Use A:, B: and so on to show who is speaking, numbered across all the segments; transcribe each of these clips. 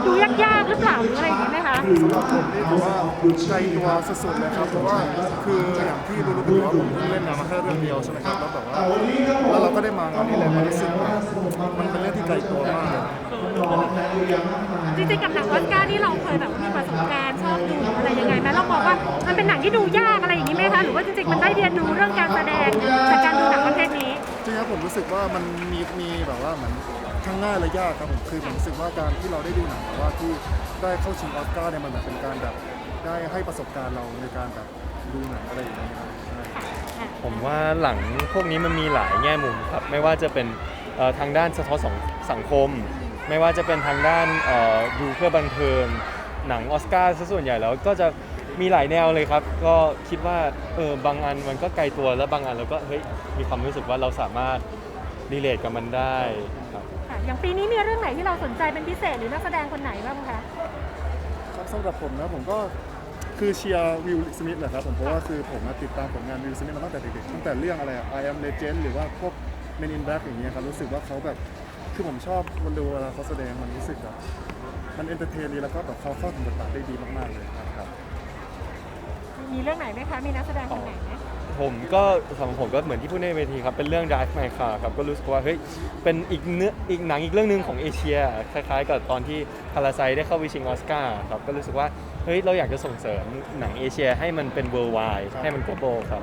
A: ดูยากๆหรือเปล่าหรืออะไรอย่างนี้ไหมคะ
B: สำหรับผมนี่ถือว่าไกลตัวสุดๆเลยครับเพราะว่าคืออย่างที่รู้ๆกันว่าผมเพิ่งเล่นงานมาแค่เรื่องเดียวใช่ไหมครับแล้วแบบว่าแล้วเราก็ได้มางานนี้เลยมันรู้สึกว่ามันเป็นเรื่องที่ไกลตัวมากเลย
A: จริงๆกับหนังออสการ์นี่เราเคยแบบมีประสบการณ์ชอบดูอะไรยังไงไหมเราบอกว่ามันเป็นหนังที่ดูยากอะไรอย่างนี้ไหมคะหรือว่าจริงๆมันได้เรียนรู้เรื่องการแสดงจากการดูหนังประเภทนี้
B: จริงๆครับผมรู้สึกว่ามันมีแบบว่าเหมือนทั้งง่ายและยากครับผมคือผมรู้สึกว่าการที่เราได้ดูหนังแบบว่าที่ได้เข้าชิงออสการ์เนี่ยมันแบบเป็นการแบบได้ให้ประสบการณ์เราในการแบบดูหนังอะไรอย่างเงี้ยครับใช่
C: ผมว่าหลังพวกนี้มันมีหลายแง่มุมครับไม่ว่าจะเป็นทางด้านสะท้อนสังคมไม่ว่าจะเป็นทางด้านดูเพื่อบันเทิงหนังออสการ์ซะส่วนใหญ่แล้วก็จะมีหลายแนวเลยครับก็คิดว่าบางอันมันก็ไกลตัวแล้วบางอันเราก็เฮ้ยมีความรู้สึกว่าเราสามารถรีเลทกับมันได้ครับ
A: อย่างปีนี้มีเรื่องไหนที่เราสนใจเป็นพิเศษหรือนักแสดงคนไหนบ้างคะ
B: ครับสำหรับผมนะผมก็คือเชียร์วิลสมิธแหละครับผมเพราะว่าคือผมติดตามผลงานวิลสมิธมาตั้งแต่เด็กๆตั้งแต่เรื่องอะไรI Am Legend หรือว่าพวก Men in Black อย่างเงี้ยครับรู้สึกว่าเขาแบบคือผมชอบวันดูเวลาเขาแสดงมันรู้สึกแบบมันเอนเตอร์เทนดีแล้วก็แบบเขาเข้าถึงบทบาทได้ดีมากๆเลยครับ
A: มีเรื่องไหนไหมคะมีนักแสดงคนไหนไหม
C: ผมก็สำหรับผมก็เหมือนที่พูดในเวทีครับเป็นเรื่อง Drive My Car ครับก็รู้สึกว่าเฮ้ยเป็นอีกหนังอีกเรื่องนึงของเอเชียคล้ายๆกับตอนที่พาราไซได้เข้าไปชิงออสการ์ครับก็รู้สึกว่าเฮ้ยเราอยากจะส่งเสริมหนังเอเชียให้มันเป็น worldwide ให้มัน global ครับ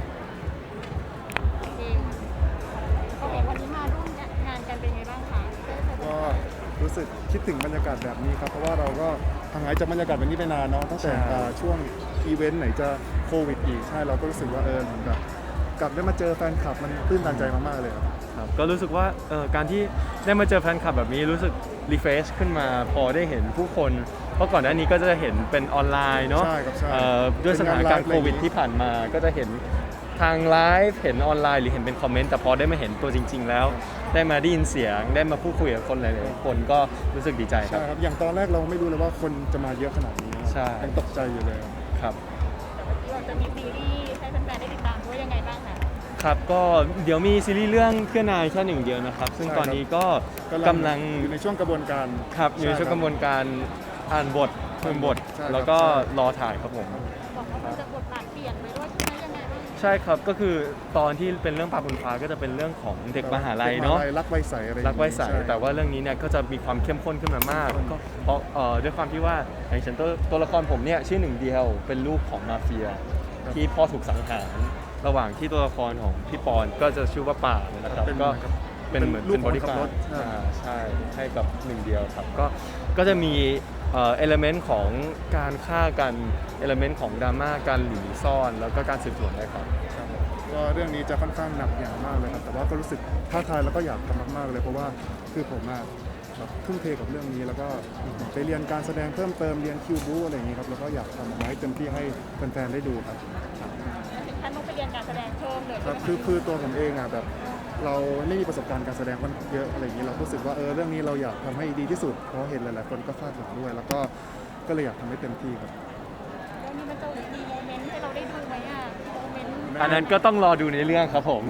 A: โอเควันนี้มาร่วมงานกันเป็นไงบ้างคะ
B: ก็รู้สึกคิดถึงบรรยากาศแบบนี้ครับเพราะว่าเราก็ห่างหายจากบรรยากาศแบบนี้ไปนานเนาะตั้งแต่ช่วงอีเวนต์ไหนจะโควิดอีกใช่เราก็รู้สึกว่าเหมือนแบบกลับได้มาเจอแฟนคลับมันตื้นตันใจมากๆเลย
C: ครับก็รู้สึกว่าการที่ได้มาเจอแฟนคลับแบบนี้รู้สึกรีเฟรชขึ้นมาพอได้เห็นผู้คนเพราะก่อนหน้านี้ก็จะเห็นเป็นออนไลน์เนาะด้วยสถานการณ์โควิดที่ผ่านมาก็จะเห็นทางไลฟ์เห็นออนไลน์หรือเห็นเป็นคอมเมนต์แต่พอได้มาเห็นตัวจริงๆแล้วได้มาได้ยินเสียงได้มาพูดคุยกับคนหลายๆคนก็รู้สึกดีใจครับ
B: ใช่ครับอย่างตอนแรกเราไม่รู้เลยว่าคนจะมาเยอะขนาดนี้
C: ใช่
B: ยังตกใจอยู่เลย
C: ครับ
A: เราจะมีซีรีส์ให้แฟนๆได้ติดตามด้วยยังไงบ้างคะ
C: ครับก็เดี๋ยวมีซีรีส์เรื่องเพื่อนนายแค่หนึ่งเดียวนะครับซึ่งตอนนี้ก็กำลัง
B: อยู่ในช่วงกระบวนการ
C: ครับอยู่ในช่วงกระบวนการอ่านบทเพิ่มบทแล้วก็รอถ่ายครับผม
A: บอกว่ามันจะบทบาทเปลี่ยนไปด้วยใช่ไหมยังไงบ้าง
C: ใช่ครับก็คือตอนที่เป็นเรื่องปลาบนฟ้าก็จะเป็นเรื่องของเด็กมหาลัยเนาะ
B: รักไวใสอะไร
C: รักไวใสแต่ว่าเรื่องนี้เนี่ยก็จะมีความเข้มข้นขึ้นมามากก็เพราะด้วยความที่ว่าอย่างเช่นตัวละครผมเนี่ยชื่อหนึ่งเดียวเป็นลูกของมาเฟียที่พ่อถูกสังหารระหว่างที่ตัวละครของพี่ปอนก็จะชื่อว่าป่านะครับก็เป็นเหมือนเป็นบริการใช่ให้กับหนึ่งเดียวครับก็จะมีเอลเมนต์ของการฆ่ากันเอลเมนต์ของดราม่าการหลีซ่อนแล้วก็การสืบสวนได้ครับ
B: ก็เรื่องนี้จะค่อนข้างหนักอย่างมากเลยครับแต่ว่าก็รู้สึกท้าทายแล้วก็อยากทำมากๆเลยเพราะว่าคือผมแบบทุ่มเทกับเรื่องนี้แล้วก็ไปเรียนการแสดงเพิ่มเติมเรียนคิวบูอะไรอย่างนี้ครับแล้วก็อยากทำออกมาให้เต็มที่ให้แฟนๆได้ดูครับ
A: ถึงขั้นต้องไปเรียนการแสดงเพิ่มเลย
B: ครับคือตัวผมเองแบบเราไม่มีประสบการณ์การแสดงมันเยอะอะไรอย่างนี้เรารู้สึกว่าเรื่องนี้เราอยากทำให้ดีที่สุดเพราะเห็นหลายๆคนก็คาดหวังด้วยแล้วก็เลยอยากทำให้เต็มที่ครับ
A: เรื่องนี้มันจะมีโมเมนต์ให้เราได้ดูไหมโมเมนต์
C: อันนั้นก็ต้องรอดูในเรื่องครับผม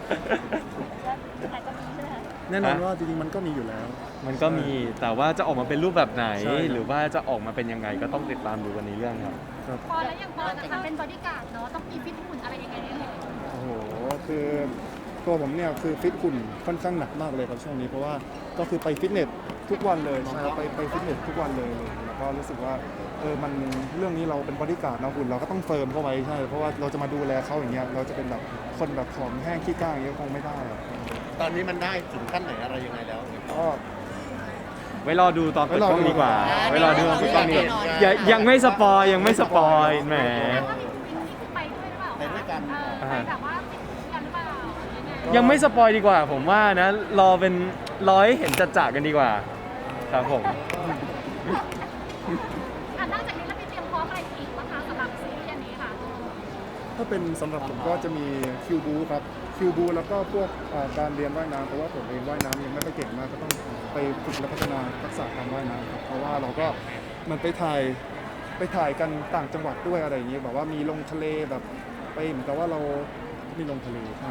B: แน่นอนว่าจริงๆมันก็มีอยู่แล้ว
C: มันก็มีแต่ว่าจะออกมาเป็นรูปแบบไหนหรือว่าจะออกมาเป็นยังไงก็ต้องติดตามดูกันในเรื่องครับ
A: พอแล้วยังพอนะคะเป็นบอดี้การ์ดเนาะต้องมีฟิตหุ่นอะไรยังไงเนี่ย
B: โอ้โหคือตัวผมเนี่ยคือฟิตหุ่นค่อนข้างหนักมากเลยครับช่วงนี้เพราะว่าก็คือไปฟิตเนสทุกวันเลยใช่ไปฟิตเนสทุกวันเลยแล้วก็รู้สึกว่ามันเรื่องนี้เราเป็นบอดี้การ์ดนะหุ่นเราก็ต้องเฟิร์มเข้าไว้ใช่เพราะว่าเราจะมาดูแลเขาอย่างเงี้ยเราจะเป็นแบบคนแบบผอมแห้งขี้ก้างอย่างเงี้ยคงไม่ได้
D: ตอนนี้มันได้ถึงขั้นไหนอะไรยังไงแล้ว
B: ก็
C: ไว้รอดูตอนเปิดกล้องดีกว่าไว้รอดูตอนเปิดกล้องนี้ยังไม่สปอยแหม
A: ไปด้วยหรือเปล่าไปด้วยกันไปแบบว่าติดกันหรือเปล่า
C: ยังไม่สปอยดีกว่าผมว่านะรอให้เห็นจัดๆกันดีกว่าครับผม
A: นอกจากนี้เราไปเตรียมพร้อมอะไรอีกบ้างคะสำหรับซีรีส์อันนี้ค่ะ
B: ถ้าเป็นสำหรับผมก็จะมีคิวบูครับคิวบูแล้วก็พวกการเรียนว่ายน้ำเพราะว่าผมเองว่ายน้ำยังไม่ค่อยเก่งมากก็ต้องไปฝึกและพัฒนาทักษะการว่ายน้ำครับเพราะว่าเราก็มันไปถ่ายกันต่างจังหวัดด้วยอะไรอย่างเงี้ยแบบว่ามีลงทะเลแบบไปเหมือนกับว่าเรามีลงทะเลใช่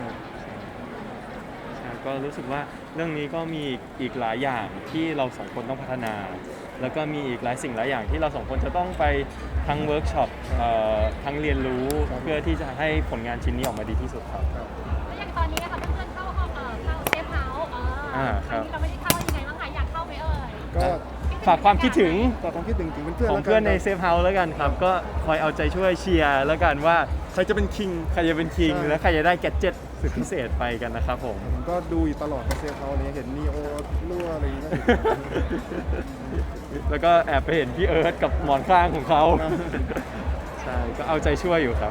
C: ก็รู้สึกว่าเรื่องนี้ก็มีอีกหลายอย่างที่เราสองคนต้องพัฒนาแล้วก็มีอีกหลายสิ่งหลายอย่างที่เราสองคนจะต้องไปทั้งเวิร์กช็อปทั้งเรียนรู้เพื่อที่จะให้ผลงานชิ้นนี้ออกมาดีที่สุดครับ
A: แล้วอย่างตอนนี้นะคะเพื่อนๆเข้าห้องเข้าเซฟเฮาส์ครั้งนี้เราไม่ได้เข้ายังไงบ้างคะอยากเข้าไหมเอ่ย
B: ก็
C: ฝากความคิดถึง
B: ฝากความคิดถึงเพื่อนๆ
C: ของ
B: แล้วกั
C: เพื่อนใน
B: ครับ
C: เซฟเฮาส์แล้วกันครับ ก็คอยเอาใจช่วยเชียร์แล้วกันว่า
B: ใครจะเป็นคิง
C: ใครจะเป็นคิง
B: ใช่
C: และใครจะได้แกดเจ็ตสุดพิเศษไปกันนะครับผม
B: ผมก็ดูอยู่ตลอดกับเซฟเขาอะไรเงี้ยเห็นนีโอรั่วอะไรอย่างเงี้ย
C: แล้วก็แอบไปเห็นพี่เอิร์ธกับหมอนข้างของเขา
B: ครับ
C: ใช่ ก็เอาใจช่วยอยู่ครับ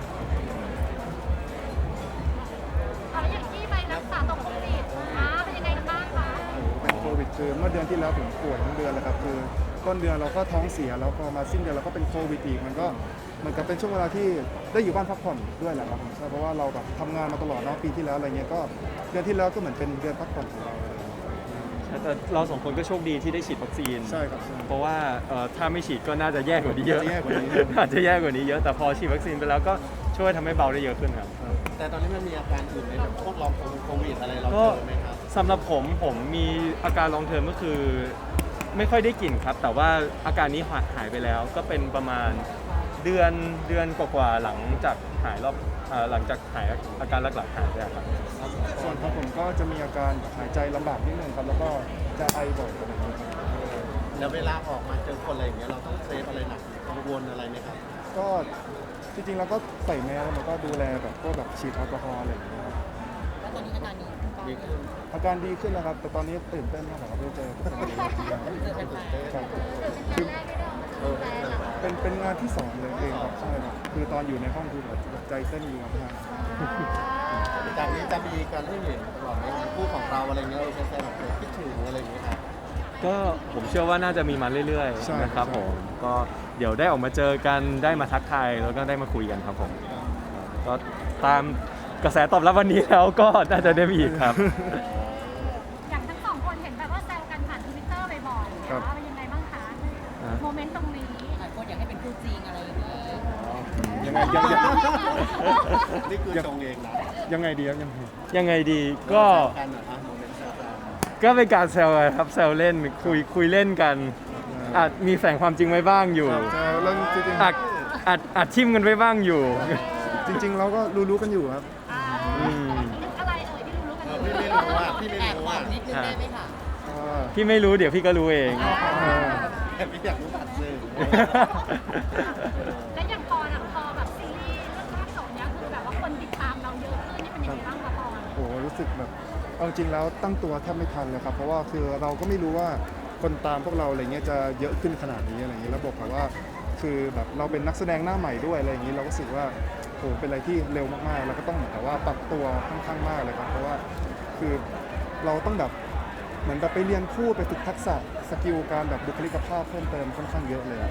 A: แล้วอย่างที่ไปรักษาตรงโควิดเป็นยังไงกันบ้างคะ
B: เป็นโควิดคือเมื่อเดือนที่แล้วผมป่วยทั้งเดือนเลยครับคือต้นเดือนเราก็ท้องเสียแล้วพอมาสิ้นเดือนเราก็เป็นโควิดอีกมันก็เหมือนกับเป็นช่วงเวลาที่ได้อยู่บ้านพักผ่อนด้วยแหละครับผมใช่เพราะว่าเราแบบทำงานมาตลอดเนาะปีที่แล้วอะไรเงี้ยก็เดือนที่แล้วก็เหมือนเป็นเดือนพักผ่อนของเราอะไรเงี้ย
C: แต่เราสองคนก็โชคดีที่ได้ฉีดวัคซีน
B: ใช่ครับใช่
C: เพราะว่าถ้าไม่ฉีดก็น่าจะแย่กว่านี้เยอะ
B: น่าจะแย่กว่านี้
C: อาจจะแย่กว่านี้เยอะ แต่พอฉีดวัคซีนไปแล้วก็ช่วยทำให้เบาได้เยอะขึ้นครับ
D: แต่ตอนนี้มันมีอาการอื่นในแบบพวกลองโควิดอะไรเรา
C: ก็
D: เจอไหมครับ
C: สำหรับผมมีอาการลองเทอมก็คือไม่ค่อยได้กลิ่นครับ แต่ว่าอาการนี้หายไปแล้วก็เป็นประมาณเดือนกว่าๆหลังจากหายหลังจากหายอาการหลักๆหายไปครับ
B: ส่วนของผมก็จะมีอาการหายใจลำบากนิดนึงครับแล้วก็จะไอบ่อยอะไรอย่างเงี้ยครับ
D: แล้วเวลาออกมาเจอคนอะไรอย่างเงี้ยเราต้องเซฟอะไรหนักกังวลอะไรไหมครับ
B: ก็จริงๆเราก็ใส่แมสแล้วมันก็ดูแลแบบพวกแบบฉีดแอลกอฮอล์อะไรอย่างเงี้ยครับ
E: แล้วตอนนี้อาการดี
D: ดีขึ้น
B: อาการดีขึ้นแล้วครับแต่ตอนนี้ตื่นเต้นมากกว่าครับได้เจอคนอื่นครับคือเป็นงานที่สองเลยเองครับใช่ครับคือตอนอยู่ในห้องคือแบบใจเต้นอยู่มาก
D: จากนี้จะมีการให้เห็นก่อนในงานคู่ของเราอะไรเงี้ยเราจะแซวแบบคิดถึงอะไรอย่างเงี้ยครับ
C: ก็ผมเชื่อว่าน่าจะมีมาเรื่อยๆนะครับผมก็เดี๋ยวได้ออกมาเจอกันได้มาทักทายแล้วก็ได้มาคุยกันครับผมก็ตามกระแสตอบรับวันนี้แล้วก็น่าจะได้มีอีกครับ
A: อย่างทั้งสองคนเห็นแบบว่าแซวกันผ่านทวิตเตอร์บ่อยๆเป็นยังไงบ้างคะโมเมนต์ตรงนี้
E: หลายคนอยากให้เป็นคู่จริงอะไรอย่างนี้
B: ๆยังไงยัง
D: นี่คือตรงเองนะ
B: ยังไงดีครับยังไง
C: ยังไงดีก็
D: กันเหรอครับโมเมนต์แซวกัน
C: ก็เป็นการแซวกันครับแซวเล่นคุยเล่นกันอาจมีแฝงความจริงไว้บ้างอยู่
B: จะเรื่องจริง
C: อาจทิมกันไว้บ้างอยู่
B: ๆจริง ๆ เราก็รู้กันอยู่ครับ
A: อะไรเอ่ยที่รู้กันอยู่
D: พี่ไม่รู้ว่าพี่ไม่
E: แอบ
D: รู้
E: บอ
D: ว่าก
E: นิดนึงได้ไหมคะ
C: พี่ไม่รู้เดี๋ยวพี่ก็รู้เอง
D: แต่พี่อยากรู้ผ่านสื่อ
A: และอย่างปอนพอแบบซีรีส์เรื่องภาคสองเนี้ยคือแบบว่าคนติดตามเราเยอะขึ้นนี่เป็นยังไงบ้างคะปอน
B: โอ้โหรู้สึกแบบเอาจริงแล้วตั้งตัวแทบไม่ทันเลยครับเพราะว่าคือเราก็ไม่รู้ว่าคนตามพวกเราอะไรเงี้ยจะเยอะขึ้นขนาดนี้อะไรเงี้ยแล้วบอกว่าคือแบบเราเป็นนักแสดงหน้าใหม่ด้วยอะไรอย่างนี้เราก็รู้สึกว่าโอ้โหเป็นอะไรที่เร็วมากๆแล้วก็ต้องเหมือนกับว่าปรับตัวค่อนข้างมากเลยครับเพราะว่าคือเราต้องแบบเหมือนแบบไปเรียนพูดไปฝึกทักษะสกิลการแบบบุคลิกภาพเพิ่มเติมค่อนข้างเยอะเลย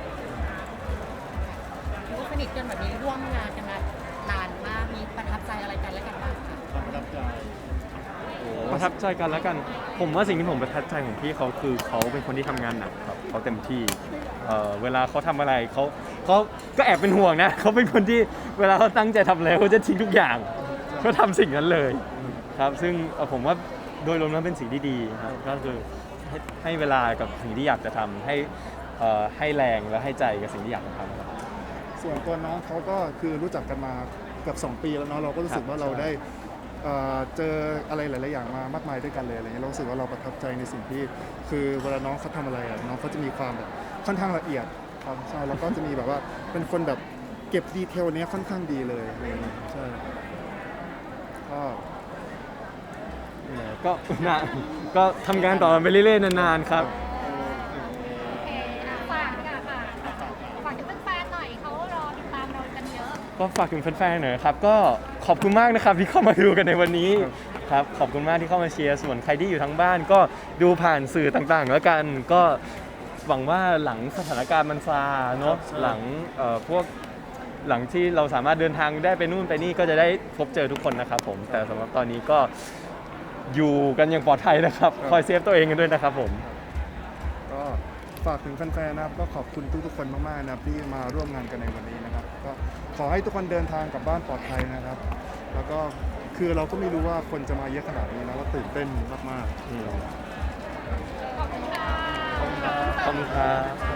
E: รู้สนิทกันแบบนี้ร่วมงานกันมานานมากมีประทับใจอะไรกันและกันบ้างคะ
D: ความประทับใจ
C: ประทับใจกันแล้วกัน ผมว่าสิ่งที่ผมประทับใจของพี่เขาคือเขาเป็นคนที่ทำงานหนักครับเขาเต็มที่เวลาเขาทำอะไรเขาก็แอบเป็นห่วงนะเขาเป็นคนที่เวลาเขาตั้งใจทำอะไรเขาจะทิ้งทุกอย่างเขาทำสิ่งนั้นเลยครับซึ่งผมว่าโดยรวมแล้วเป็นสิ่งที่ดีครับก็คือให้เวลากับสิ่งที่อยากจะทำให้แรงและให้ใจกับสิ่งที่อยากจะทำครับ
B: ส่วนตัวน้องเขาก็คือรู้จักกันมาเกือบ2 ปีแล้วเนาะเราก็รู้สึกว่าเราได้เจออะไรหลายๆอย่างมามากมายด้วยกันเลยอะไรเงี้ยเรารู้สึกว่าเราประทับใจในสิ่งที่คือเวลาน้องเขาทำอะไรอะน้องเขาจะมีความแบบค่อนข้างละเอียดครับใช่แล้วก็จะมีแบบว่าเป็นคนแบบเก็บดีเทลเนี้ยค่อนข้างดีเลยอะไรเงี้ยใช่ก็
C: ก็นะก็ทำงานต่อไปเรื่อยๆนานๆครับ
A: โอเคฝากค่ะฝากถึงแฟนๆหน่อยเขารอติดตามเรากันเยอะ
C: ก็ฝากถึงแฟนๆหน่อยครับก็ขอบคุณมากนะครับที่เข้ามาดูกันในวันนี้ครับขอบคุณมากที่เข้ามาเชียร์ส่วนใครที่อยู่ทั้งบ้านก็ดูผ่านสื่อต่างๆ แล้วกันก็หวังว่าหลังสถานการณ์มันซาเนาะหลังหลังที่เราสามารถเดินทางได้ไปนู่นไปนี่ก็จะได้พบเจอทุกคนนะครับผมแต่สำหรับตอนนี้ก็อยู่กันอย่างปลอดภัยนะครับคอยเซฟตัวเองกันด้วยนะครับผม
B: ก็ฝากถึงแฟนๆนะครับก็ขอบคุณทุกๆคนมากๆนะครับที่มาร่วมงานกันในวันนี้นะครับก็ขอให้ทุกคนเดินทางกลับบ้านปลอดภัยนะครับ แล้วก็คือเราก็ไม่รู้ว่าคนจะมาเยอะขนาดนี้นะเราตื่นเต้นมากๆ
A: ขอบคุณค่ะ
C: ขอบคุณครับ